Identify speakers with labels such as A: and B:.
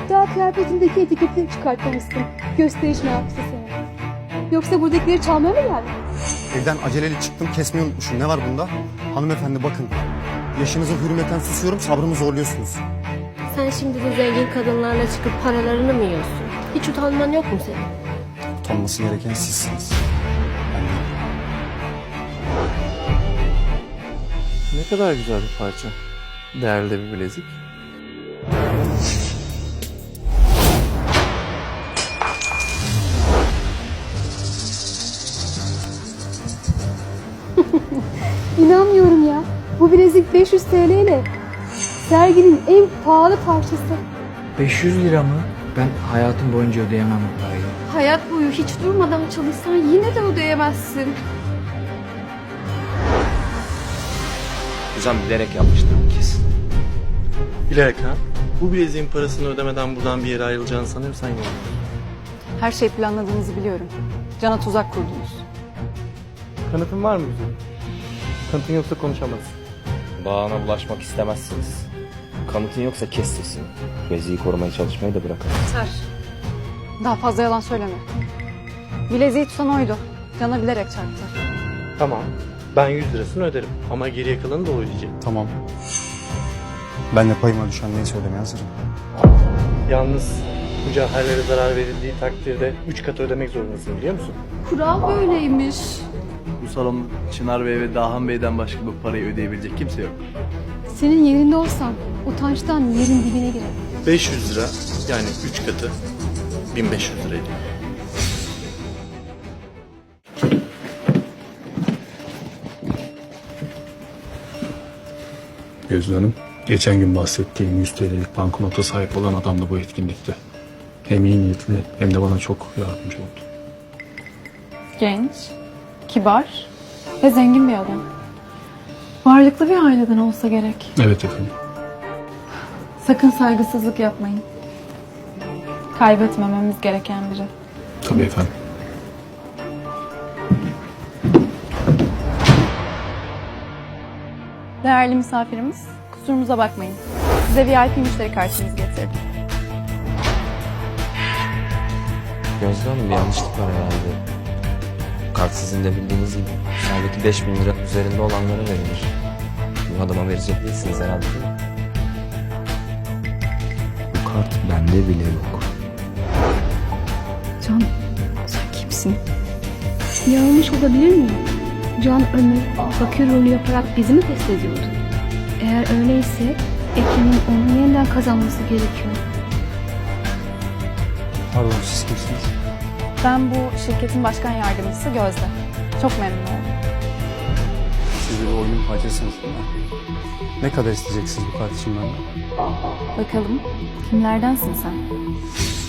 A: Daha kıyafetindeki etiketi çıkartmamışsın. Gösteriş meraklısı seni. Yoksa buradakileri çalmaya mı geldin?
B: Evden aceleyle çıktım, kesmeyi unutmuşum. Ne var bunda? Hanımefendi bakın. Yaşınıza hürmeten susuyorum, sabrımı zorluyorsunuz.
C: Sen şimdi de zengin kadınlarla çıkıp paralarını mı yiyorsun? Hiç utanman yok mu senin?
B: Utanması gereken sizsiniz. Ben değilim.
D: Ne kadar güzel bir parça. Değerli bir bilezik.
A: İnanmıyorum ya. Bu bilezik 500 TL ile serginin en pahalı parçası.
E: 500 lira mı? Ben hayatım boyunca ödeyemem bu parayı.
A: Hayat boyu hiç durmadan çalışsan yine de ödeyemezsin.
F: Hocam bilerek yapmıştır bu kesin.
D: Bilerek ha? Bu bileziğin parasını ödemeden buradan bir yere ayrılacağını sanıyorsan yok.
G: Her şey planladığınızı biliyorum. Can'a tuzak kurdunuz.
D: Kanıtın var mı güzelim? Kanıtın yoksa konuşamazsın.
F: Bağına bulaşmak istemezsiniz. Kanıtın yoksa kes sesini. Beziyi korumaya çalışmayı da bırakın.
G: Yeter. Daha fazla yalan söyleme. Bileziği tutan oydu. Can'a bilerek çarptı.
D: Tamam. Ben 100 lirasını öderim. Ama geriye kalanı da o ödeyecek.
B: Tamam. Ben de payıma düşen neyse ödemeye hazırım.
D: Yalnız bu cevherlere zarar verildiği takdirde 3 kat ödemek zorundasın, biliyor musun?
A: Kural böyleymiş.
H: Bu salonda Çınar Bey ve Dahan Bey'den başka bu parayı ödeyebilecek kimse yok.
A: Senin yerinde olsam utançtan yerin dibine girerim.
D: 500 lira yani 3 katı 1500 lira ediyor.
I: Gözde Hanım, geçen gün bahsettiğim 100 TL'lik banknota sahip olan adam da bu etkinlikte. Hem iyi niyetli hem de bana çok yardımcı oldu.
G: Genç, kibar ve zengin bir adam. Varlıklı bir aileden olsa gerek.
I: Evet efendim.
G: Sakın saygısızlık yapmayın. Kaybetmememiz gereken biri.
I: Tabii efendim.
G: Değerli misafirimiz, kusurumuza bakmayın. Size VIP müşteri kartınızı getirdim.
F: Gözde Hanım bir yanlışlık var herhalde. Kart sizin de bildiğiniz gibi. Sağdaki 5000 lira üzerinde olanlara verilir. Bu adama verecek değilsiniz herhalde değil mi? Bu kart bende bile yok.
A: Can, sen kimsin? Yanlış olabilir miyim? Can Ömür fakir rolü yaparak bizi mi test ediyordu? Eğer öyleyse Ekin'in onu yeniden kazanması gerekiyor.
B: Pardon, siz kimsiniz?
G: Ben bu şirketin başkan yardımcısı Gözde. Çok memnun oldum.
B: Siz de bir oyunun parçasınız değil mi? Ne kadar isteyeceksiniz bu kart için benden?
G: Bakalım, kimlerdensin sen?